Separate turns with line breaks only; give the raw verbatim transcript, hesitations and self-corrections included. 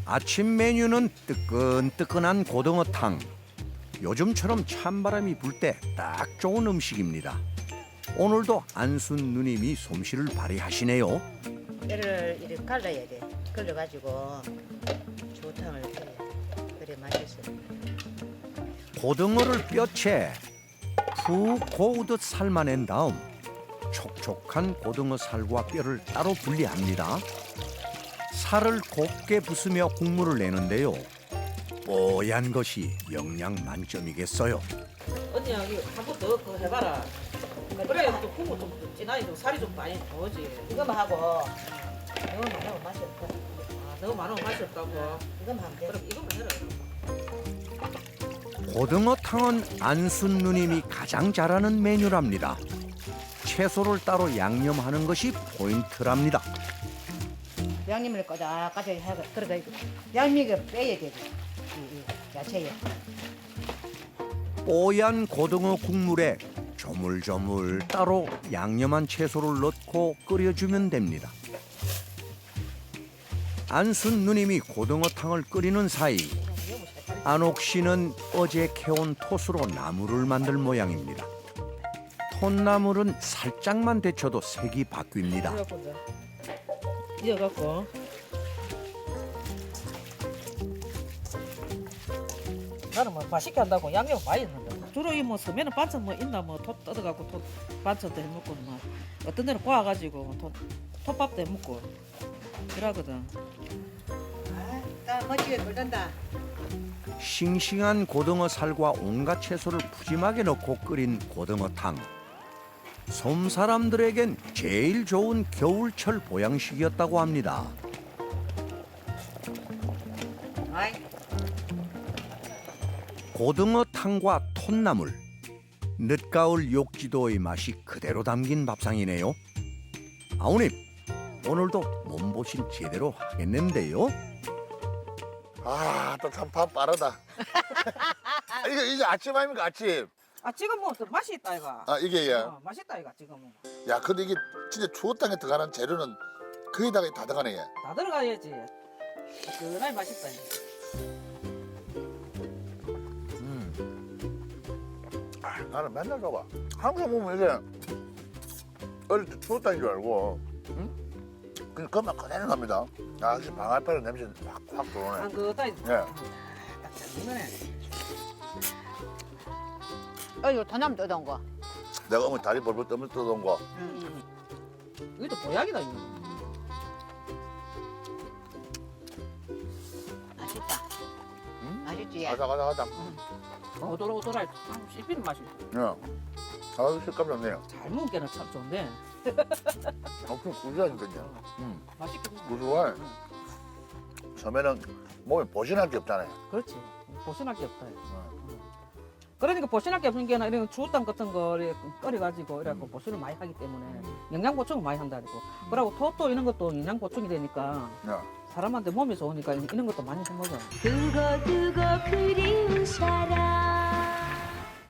아침 메뉴는 뜨끈뜨끈한 고등어탕. 요즘처럼 찬바람이 불 때 딱 좋은 음식입니다. 오늘도 안순 누님이 솜씨를 발휘하시네요.
뼈를 이렇게 갈라야 돼. 걸러가지고 조탕을 해야 돼. 그래 맛있어.
고등어를 뼈채 푹 고우듯 삶아낸 다음 촉촉한 고등어 살과 뼈를 따로 분리합니다. 살을 곱게 부수며 국물을 내는데요. 뽀얀 것이 영양 만점이겠어요.
언니야 이거 한번 더 그거 해봐라. 그래야 또 국물 좀 진하게 좀 살이 좀 많이 나오지.
이거만 하고 너무 많으면 맛이 없다.
아, 너무 많으면 맛이 없다고.
이거만 하면 돼.
그럼 이거만 해라.
고등어탕은 안순 누님이 가장 잘하는 메뉴랍니다. 채소를 따로 양념하는 것이 포인트랍니다.
양념을 꼬작꼬작 해가 그러다 양미가 빼야 되지. 이, 이 야채에.
뽀얀 고등어 국물에 조물조물 따로 양념한 채소를 넣고 끓여주면 됩니다. 안순 누님이 고등어탕을 끓이는 사이 안옥 씨는 어제 캐온 톳으로 나물을 만들 모양입니다. 톳나물은 살짝만 데쳐도 색이 바뀝니다.
이어갖고 이제 이어갖고 나는 뭐 맛있게 한다고 양념 많이 넣는다. 주로 이 뭐 서면은 반찬 뭐 있나 뭐톱 뜯어갖고 톱 반찬도 해먹고 뭐 어떤 데는 구워가지고 톱 톱밥도 해먹고 그러거든.
아, 나 멋지게 끓는다.
싱싱한 고등어 살과 온갖 채소를 푸짐하게 넣고 끓인 고등어탕. 섬 사람들에겐 제일 좋은 겨울철 보양식이었다고 합니다.
아이,
고등어탕과 톳나물, 늦가을 욕지도의 맛이 그대로 담긴 밥상이네요. 아우님, 오늘도 몸보신 제대로 하겠는데요?
아, 또 참 밥 빠르다. 이거 이제 아침 아닙니까 아침?
아 지금 뭐또 맛이 있다 이가.
아 이게 예.
어, 맛있다 이가 지금은.
야, 근데 이게 진짜 추어탕에 들어가는 재료는 거의다가 다 들어가네. 얘.
다 들어가야지. 그날 맛있다. 이거.
아, 나는 맨날 가봐. 항상 보면 이게 어릴 때 추어탕인 줄 알고, 응? 그냥 그만 그대로 갑니다. 아, 역시 방아쇠는 냄새 확, 확 들어오네.
안 그다.
예.
이거네.
어, 이거 더남 뜯어온 거.
내가 어머니 다리 벌벌 떠면서 뜯어온 거.
응. 이것도 보약이다 이거.
맛있다.
음?
맛있지?
아삭아삭하다.
오돌오돌할 씹히는 맛이.
예. 아, 식감 좋네요.
잘 먹은 게는 참 좋은데.
엄청 구수하니까요. 음,
맛있게 먹어.
구수해. 처음에는 몸에 보신할 게 없잖아요.
그렇지. 보신할 게 없다. 그러니까 보신할 게 없는 게 아니라 이런 주우탕 같은 거 이렇게 끓여가지고 이래갖고 보신을 많이 하기 때문에 영양 보충을 많이 한다고. 그리고 톳도 이런 것도 영양 보충이 되니까
야.
사람한테 몸이 좋으니까 이런 것도 많이 해 먹어.
두고 두고 그리운 사람